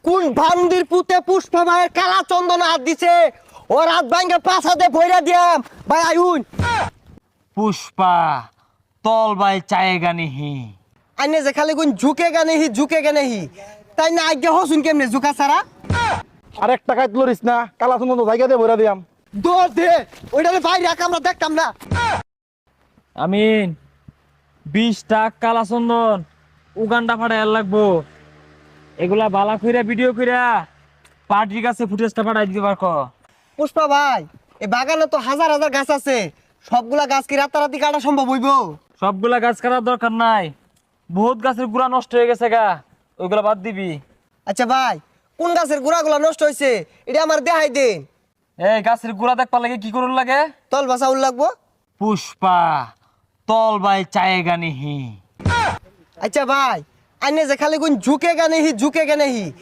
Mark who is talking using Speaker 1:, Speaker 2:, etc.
Speaker 1: কোন ভান্দির পুতে পুষ্পা ভাইয়ের কালা চন্দন হাত দিছে ও রাত ভাঙ্গে পাঁচ হাতে ভইরা দিয়াম ভাই আইউন
Speaker 2: পুষ্পা তল বাই চায়েগা নিহি
Speaker 1: আইনে যে খালি কোন ঝুঁকে গানে হি তাই না আজ্ঞা হসুন কেমনে ঝুঁকা ছাড়া
Speaker 3: আর এক টাকায় তুলিস না কালা সুন্দর জায়গা দিয়ে ভরে দিয়াম
Speaker 1: দৌড় দে ওইটারে বাইরে রাখ আমরা দেখতাম না
Speaker 2: আমিন 20 টাকা কালা চন্দন উগান্ডা ফাটাই লাগবো এগুলা বালা কইরা ভিডিও কইরা পার্টির কাছে ফুটেজটা পাঠাই দিতে পারকো
Speaker 1: পুষ্পা ভাই এই বাগানে তো হাজার হাজার গাছ আছে সবগুলা গাছ কি রাতারাতি কাটা সম্ভব হইব
Speaker 2: সবগুলা গাছ কাটার দরকার নাই বহুত গাছের গুড়া নষ্ট হয়ে গেছে গা ওইগুলা বাদ দিবি
Speaker 1: আচ্ছা ভাই কোন গাছের গোড়াগুলা নষ্ট হয়েছে এটা আমার দেখাই দিন
Speaker 2: এই গাছের গুড়া দেখবার লাগে কি করুন লাগে
Speaker 1: তল বাসা উল লাগবো
Speaker 2: পুষ্পা তল বাই চায়েগা নিহি
Speaker 1: আচ্ছা ভাই আইনে যে খালি কোন ঝুঁকে গানে হি